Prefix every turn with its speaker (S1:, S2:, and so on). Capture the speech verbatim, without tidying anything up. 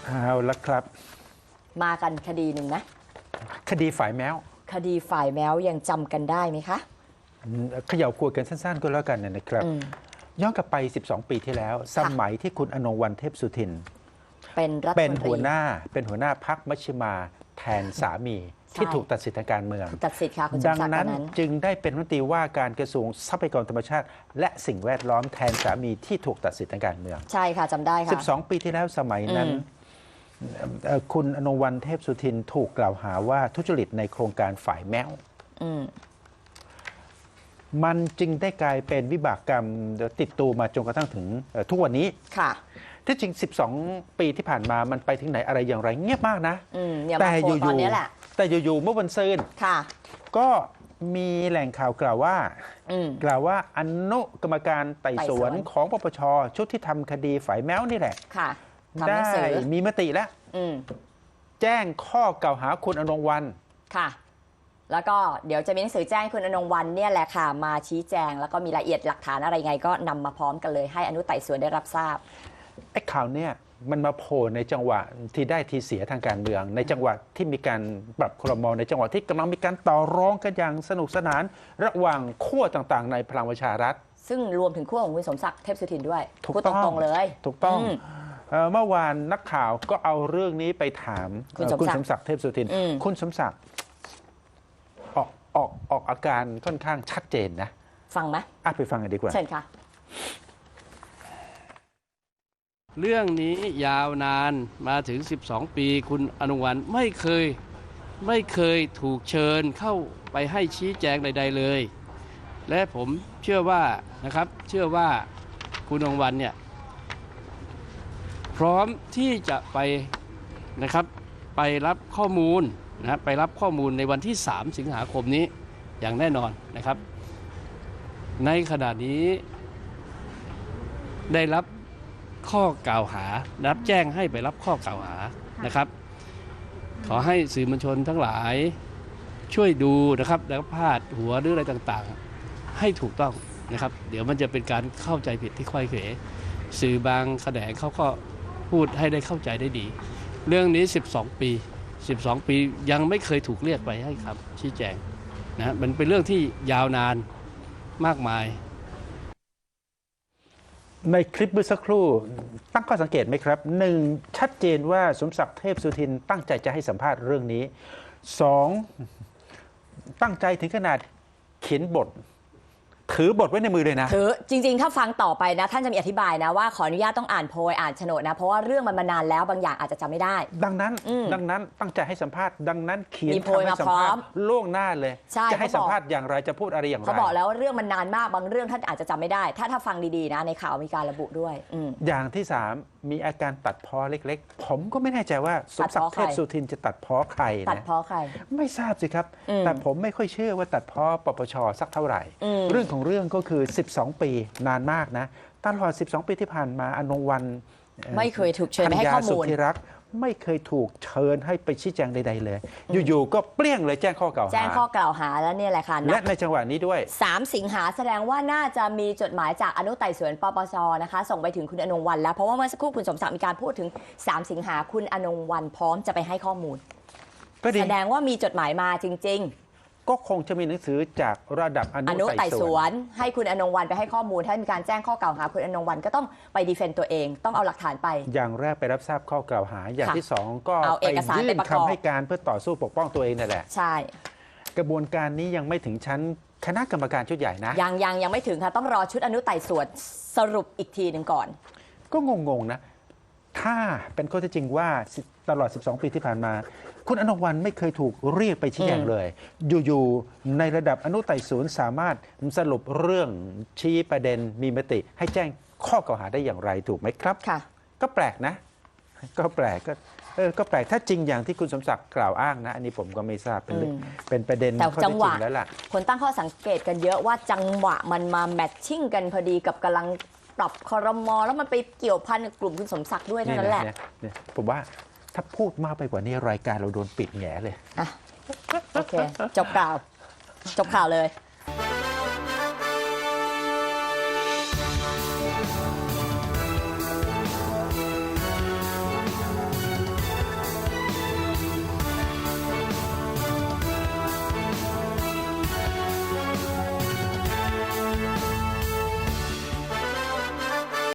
S1: เอาละครับ
S2: มากันคดีหนึ่งนะ
S1: คดีฝ่ายแมว
S2: คดีฝ่ายแมวยังจำกันได้ไหมคะ
S1: เขย่าขวดกันสั้นๆก็แล้วกันนะครับย้อนกลับไปสิบสองปีที่แล้วสมัยที่คุณอนงค์ วรรณ เทพสุทิน
S2: เป็นรัฐมนตรี
S1: เป็นหัวหน้าเป็นหัวหน้าพรรคมัชฌิมาแทนสามีที่ถูกตัดสิทธิทางการเมือง
S2: ตัดสิทธิ์ค่ะคุณ
S1: ดังนั้นจึงได้เป็นรัฐมนตรีว่าการกระทรวงทรัพยากรธรรมชาติและสิ่งแวดล้อมแทนสามีที่ถูกตัดสิทธิทางการเมือง
S2: ใช่ค่ะจำได้ค่ะ
S1: สิบสองปีที่แล้วสมัยนั้นคุณอนงค์ วรรณ เทพสุทินถูกกล่าวหาว่าทุจริตในโครงการฝ่ายแมวมันจึงได้กลายเป็นวิบากกรรมติดตัวมาจนกระทั่งถึงทุกวันนี้
S2: ค่ะ
S1: ที่จริงสิบสองปีที่ผ่านมามันไปถึงไหนอะไรอย่างไรเงียบมากนะ
S2: แต่อยู่ๆ
S1: แต่อยู่ๆเมื่อวันซืนก็มีแหล่งข่าวกล่าวว่ากล่าวว่าอนุกรรมการไต่สวนของปปชชุดที่ทำคดีฝ่ายแมวนี่แหละได้มีมติแล้วแจ้งข้อกล่าวหาคุณอนงค์ วรรณ
S2: ค่ะแล้วก็เดี๋ยวจะมีหนังสือแจ้งคุณอนงค์ วรรณเนี่ยแหละค่ะมาชี้แจงแล้วก็มีรายละเอียดหลักฐานอะไรไงก็นำมาพร้อมกันเลยให้อนุไต่สวนได้รับทราบ
S1: ไอ้ข่าวเนี่ยมันมาโผล่ในจังหวะที่ได้ทีเสียทางการเมืองในจังหวะที่มีการปรับครม.ในจังหวะที่กำลังมีการต่อรองกันอย่างสนุกสนานระหว่างขั้วต่างๆในพลังประชารัฐ
S2: ซึ่งรวมถึงขั้วของคุณสมศักดิ์เทพสุทินด้วย
S1: พูดตรง
S2: ๆเลย
S1: ถูกต้องเมื่อวานนักข่าวก็เอาเรื่องนี้ไปถามคุณสมศักดิ์เทพสุทินคุณสมศักดิ์ออกออกออกอาการค่อนข้างชัดเจนนะ
S2: ฟังไหม
S1: อ่ะไปฟังกันดีกว่า
S2: เชิญค่ะ
S3: เรื่องนี้ยาวนานมาถึงสิบสองปีคุณอนงค์ วรรณไม่เคยไม่เคยถูกเชิญเข้าไปให้ชี้แจงใดๆเลยและผมเชื่อว่านะครับเชื่อว่าคุณอนงค์ วรรณเนี่ยพร้อมที่จะไปนะครับไปรับข้อมูลนะไปรับข้อมูลในวันที่สามสิงหาคมนี้อย่างแน่นอนนะครับในขณะนี้ได้รับข้อกล่าวหารับแจ้งให้ไปรับข้อกล่าวหานะครับขอให้สื่อมวลชนทั้งหลายช่วยดูนะครับแล้วพาดหัวหรืออะไรต่างๆให้ถูกต้องนะครับเดี๋ยวมันจะเป็นการเข้าใจผิดที่ค่อยเขวสื่อบางแขนงเขาก็พูดให้ได้เข้าใจได้ดีเรื่องนี้สิบสองปีสิบสองปียังไม่เคยถูกเรียกไปให้ครับชี้แจงนะมันเป็นเรื่องที่ยาวนานมากมาย
S1: ในคลิปเมื่อสักครู่ตั้งข้อสังเกตไหมครับหนึ่งชัดเจนว่าสมศักดิ์เทพสุทินตั้งใจจะให้สัมภาษณ์เรื่องนี้สองตั้งใจถึงขนาดเขียนบทถือบทไว้ในมือเลยนะ
S2: ถือจริงๆถ้าฟังต่อไปนะท่านจะมีอธิบายนะว่าขออนุญาตต้องอ่านโพยอ่านโฉนดนะเพราะว่าเรื่องมันมานานแล้วบางอย่างอาจจะจำไม่ได้
S1: ดังนั้นดังนั้นตั้งใจให้สัมภาษณ์ดังนั้นเขียนคำให้สัมภาษณ์ล่วงหน้าเลยจะให้สัมภาษณ์อย่างไรจะพูดอะไรอย่างไร
S2: เขาบอกแล้วว่าเรื่องมันนานมากบางเรื่องท่านอาจจะจำไม่ได้ถ้าถ้าฟังดีๆนะในข่าวมีการระบุด้วย
S1: อย่างที่สามมีอาการตัดพ้อเล็กๆผมก็ไม่แน่ใจว่าสมศักดิ์เทพสุทินจะตัดพ้อใครนะ
S2: ตัดพ้อใคร
S1: ไม่ทราบสิครับแต่ผมไม่ค่อยเชื่อว่าตัดพ้อปปชสักเท่าไหร่เรื่องของเรื่องก็คือสิบสองปีนานมากนะตลอดสิบสองปีที่ผ่านมาอนงค์ วรรณ
S2: ไม่เคยถูกเชิญให้ข้อมูล
S1: ที่รักไม่เคยถูกเชิญให้ไปชี้แจงใดๆเลยอยู่ๆก็เปรี้ยงเลยแจ้งข้อกล่าวหา
S2: แจ้งข้อกล่าวหาแล้วเนี่ยแหละค่ะ
S1: และในจังหวะนี้ด้วย
S2: สามสิงหาแสดงว่าน่าจะมีจดหมายจากอนุไต่สวนปปชนะคะส่งไปถึงคุณอนงค์ วรรณแล้วเพราะว่าเมื่อสักครู่คุณสมศักดิ์มีการพูดถึงสามสิงหาคุณอนงค์ วรรณพร้อมจะไปให้ข้อมูลแสดงว่ามีจดหมายมาจริงๆ
S1: ก็คงจะมีหนังสือจากระดับอนุไต่สวน
S2: ให้คุณอนงค์ วรรณไปให้ข้อมูลถ้ามีการแจ้งข้อกล่าวหาคุณอนงค์ วรรณก็ต้องไปดีเฟนต์ตัวเองต้องเอาหลักฐานไป
S1: อย่างแรกไปรับทราบข้อกล่าวหาอย่างที่สองก็ไปยื่นคำให้การเพื่อต่อสู้ปกป้องตัวเองนั่นแหละ
S2: ใช่
S1: กระบวนการนี้ยังไม่ถึงชั้นคณะกรรมการชุดใหญ่นะ
S2: ยังยังยังไม่ถึงค่ะต้องรอชุดอนุไต่สวนสรุปอีกทีหนึ่งก่อน
S1: ก็งงๆนะถ้าเป็นข้อเท็จจริงว่าตลอดสิบสองปีที่ผ่านมาคุณอนงค์ วรรณไม่เคยถูกเรียกไปชี้แจงเลยอยู่ๆในระดับอนุไต่สวนสามารถสรุปเรื่องชี้ประเด็นมีมติให้แจ้งข้อกล่าวหาได้อย่างไรถูกไหมครับ
S2: ค่ะ
S1: ก็แปลกนะก็แปลกก็เออก็แปลกถ้าจริงอย่างที่คุณสมศักดิ์กล่าวอ้างนะอันนี้ผมก็ไม่ทราบเป็นเป็นประเด็น
S2: ข้อเท็จจริง
S1: แล้วล่ะ
S2: คนตั้งข้อสังเกตกันเยอะว่าจังหวะมันมาแมทชิ่งกันพอดีกับกำลังปรับครม.แล้วมันไปเกี่ยวพันกับกลุ่มคุณสมศักดิ์ด้วยนั่นแหละ
S1: ผมว่าถ้าพูดมากไปกว่านี้รายการเราโดนปิดแง่เลย
S2: อ่ะโอเคจบข่าวจบข่าวเลย